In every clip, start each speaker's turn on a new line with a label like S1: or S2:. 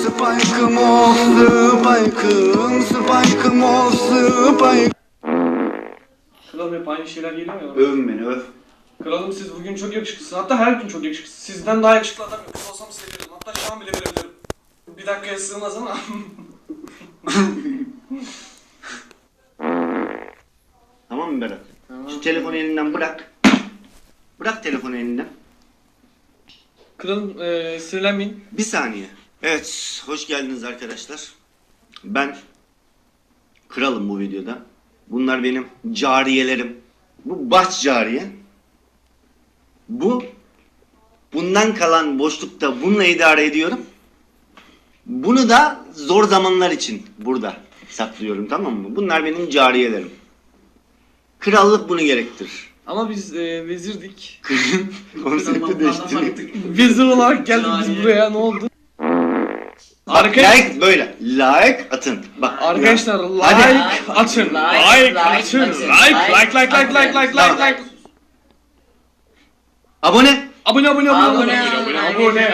S1: Spike'ım o Spike'ım, Spike'ım o Spike.
S2: Kralım hep aynı şeyler geliyor ya.
S1: Övün beni, öv.
S2: Kralım siz bugün çok yakışıklısınız. Hatta her gün çok yakışıklısınız. Sizden daha yakışıklı adam yok. Kız olsam size veririm. Hatta şu an bile verebilirim. Bir dakikaya sığmaz ama.
S1: Tamam mı Berat? Tamam. Şu telefonu elinden bırak. Bırak telefonu elinden.
S2: Kralım sinirlenmeyin.
S1: Bir saniye. Evet, hoş geldiniz arkadaşlar. Ben kralım bu videoda. Bunlar benim cariyelerim. Bu baş cariye. Bundan kalan boşlukta bununla idare ediyorum. Bunu da zor zamanlar için burada saklıyorum, tamam mı? Bunlar benim cariyelerim. Krallık bunu gerektirir.
S2: Ama biz vezirdik.
S1: Konsepti değiştirdik.
S2: Vezir olarak geldik biz buraya. Ne oldu?
S1: Like böyle. Like atın. Bak.
S2: Arkadaşlar
S1: Hadi.
S2: like atın. Like atın. Like.
S1: Abone.
S2: Abone.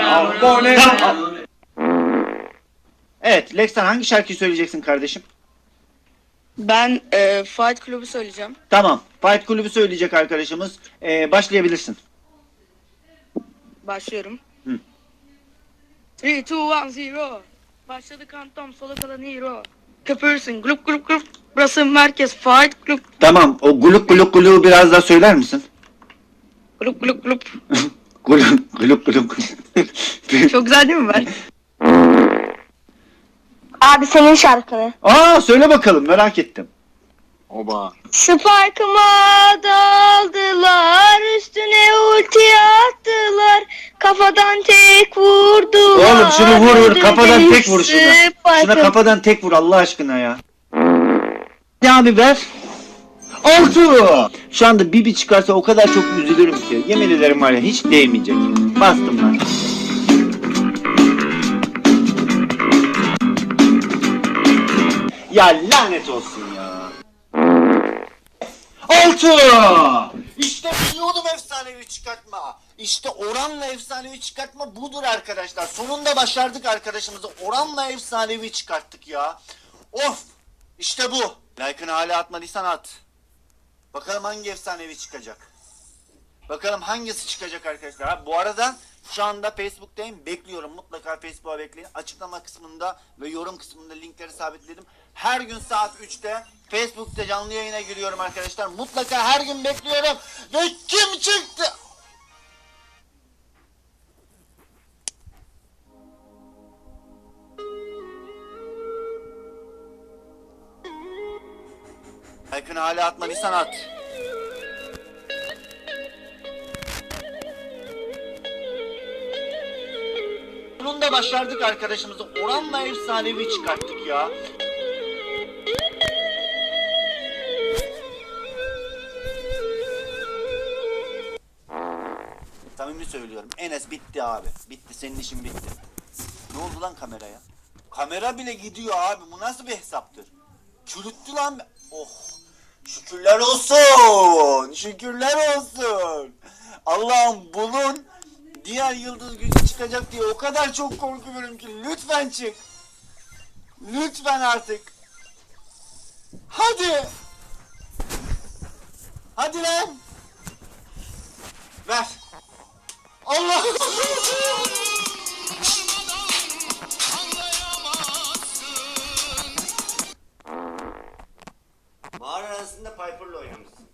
S3: Evet, Lexan hangi şarkıyı söyleyeceksin kardeşim?
S4: Ben Fight Club'u söyleyeceğim.
S3: Tamam, Fight Kulübü söyleyecek arkadaşımız. Başlayabilirsin.
S4: Başlıyorum.
S3: Hı.
S4: 3, 2, 1, 0. Başladı kantom, sola kalan hero. Köpürsün, grup. Burası merkez, Fight Club.
S3: Tamam, o guluk guluk guluğu biraz daha söyler misin?
S4: Grup.
S3: Guluk guluk.
S4: Çok güzel değil mi ben?
S5: Abi senin şarkını.
S3: Aa, söyle bakalım, merak ettim.
S5: Spark'ıma daldılar, üstüne ulti attılar, kafadan tek vurdular.
S3: Oğlum şunu vur, kafadan tek vur şuna.
S5: Spike'ım.
S3: Şuna kafadan tek vur Allah aşkına ya. Ne abi ver? 6. Şu anda Bibi çıkarsa o kadar çok üzülürüm ki. Yemin ederim var ya, hiç değmeyecek. Bastım lan. Ya lanet olsun ya. 6. İşte biliyordum efsanevi çıkartma. İşte oranla efsanevi çıkartma budur arkadaşlar. Sonunda başardık arkadaşımızı. Oranla efsanevi çıkarttık ya. Of. İşte bu. Like'ını hala atmadıysan at. Bakalım hangi efsanevi çıkacak. Bakalım hangisi çıkacak arkadaşlar. Ha, bu arada şu anda Facebook'tayım. Bekliyorum. Mutlaka Facebook'a bekleyin. Açıklama kısmında ve yorum kısmında linkleri sabitledim. Her gün saat 3'te Facebook'ta canlı yayına giriyorum arkadaşlar. Mutlaka her gün bekliyorum. Ve kim çıktı? Like'ını hala atmadıysan at. Sonunda başardık arkadaşımızı. Oranla efsanevi çıkarttık ya. Samimi söylüyorum. Enes bitti abi. Bitti. Senin işin bitti. Ne oldu lan kameraya? Kamera bile gidiyor abi. Bu nasıl bir hesaptır? Çürüttü lan. Oh. Şükürler olsun. Şükürler olsun. Allah'ım bunun diğer yıldız gücü çıkacak diye o kadar çok korkuyorum ki. Lütfen çık. Lütfen artık. Hadi. Hadi lan. Ver. Allah. Mağara arasında Piper'la oynamışsın.